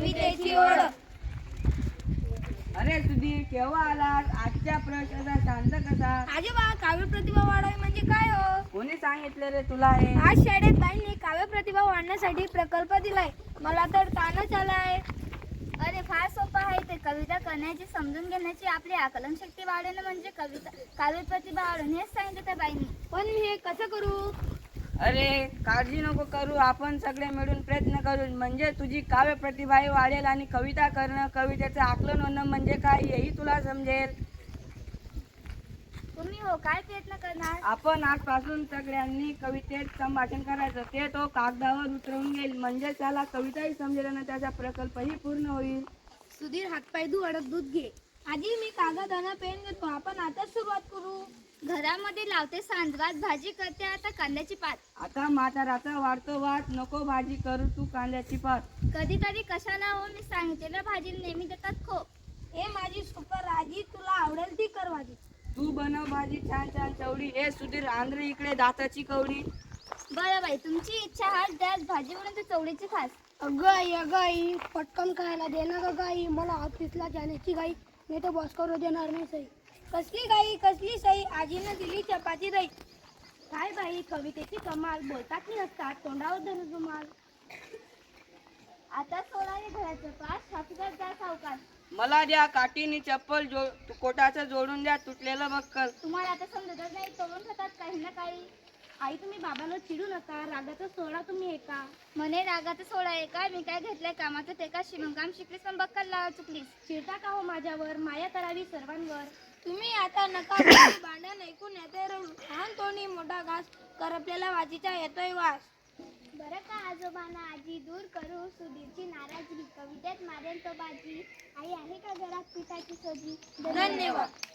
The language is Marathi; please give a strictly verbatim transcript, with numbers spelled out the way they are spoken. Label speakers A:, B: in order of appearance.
A: कवितेची ओढ.
B: अरे सुधीर, केव्हा आलास? आजच्या प्रश्नाचा शांत कसा?
A: आजोबा, काव्य प्रतिभा वाढावी म्हणजे काय हो?
B: कोणी सांगितलं रे तुला हे?
A: आज शाळेत बाईंनी काव्य प्रतिभा वाढण्यासाठी प्रकल्प दिलाय. मला तर ताणच आलाय.
C: अरे फार सोपं आहे ते. कविता करण्याची, समजून घेण्याची, आपली आकलन शक्ती वाढवणं म्हणजे कविता काव्य प्रतिभा वाढवणं हेच सांगितलं त्या बाईंनी.
A: पण मी हे कसं करू?
B: अरे काळजी नको करू, आपण सगळे मिळून प्रयत्न करू, म्हणजे तुझी काव्य प्रतिभाही वाढेल आणि कविता करणं, कवितेचं आकलन होणं म्हणजे काय हेही तुला समजेल.
C: तुम्ही हो काय प्रयत्न करणार?
B: आपण आजपासून सगळ्यांनी कवितेत संभाषण करायचं. ते तो कागदावर उतरवून घेईल, म्हणजे त्याला कविताही समजेल आणि त्याचा प्रकल्पही पूर्ण होईल.
A: सुधीर, हातपाय धु, अडक दूध घे. आजी, मी कागद आणि पेन घेतो. आपण आताच सुरुवात करू.
C: घरामध्ये लावते सांजवात, भाजी करते आता कांद्याची पात.
B: आता म्हाताराचा वाढतो वाद, नको भाजी करू तू कांद्याची पात.
C: कधी कधी कशाला हो, मी सांगितलेल्या भाजीला नेहमी देतात खो.
A: हे माझी सुपर आजी, तुला आवडेल ती कर भाजी.
B: तू बनव भाजी छान छान चवडी. हे सुधीर, आंध्र इकडे दाताची कवडी.
C: बरं बाई, तुमची इच्छा हाच द्यास भाजी म्हणून तू चवळीची खास.
A: अगं आई, अगं आई, पटकन खायला दे ना गं गाई. मला ऑफिसला जाण्याची गाई, नाही तर बॉस करू देणार नाही सई. कसली गाई, कसली सई? आजीनं दिली चपाती दही. काय बाई, कवितेची कमाल. बोलतात की नसतात, तोंडावर धरून रुमाल.
C: आता सोडा रे घराचं पास, शास्त्रात जा सावकाश.
B: मला द्या काठीनी चप्पल, जो कोटाचं जोडून द्या तुटलेलं बक्कल.
C: तुम्हाला आता समजतच नाही, तोडून खातात काही ना काही.
A: आई, तुम्ही बाबाला चिडू नका, रागाचा सोडा तुम्ही एका.
C: म्हणे रागाचं सोडा आहे का? मी काय घेतलंय कामाचं ते का? शिवणकाम शिकलीस पण बक्कल लावा चुकलीस.
A: चिडता का हो माझ्यावर? माया करावी सर्वांवर. तुम्ही आता नका बोलू, भांडण ऐकून येते रडू. लहान तोंडी मोठा घास, करपलेला भाजीचा येतोय वास.
C: बरं का आजोबांना आजी दूर करू सुधीरची नाराजगी, कवितेत मारेल तो बाजी. आई आहे का घरात पिठाची सोजी?
A: धन्यवाद.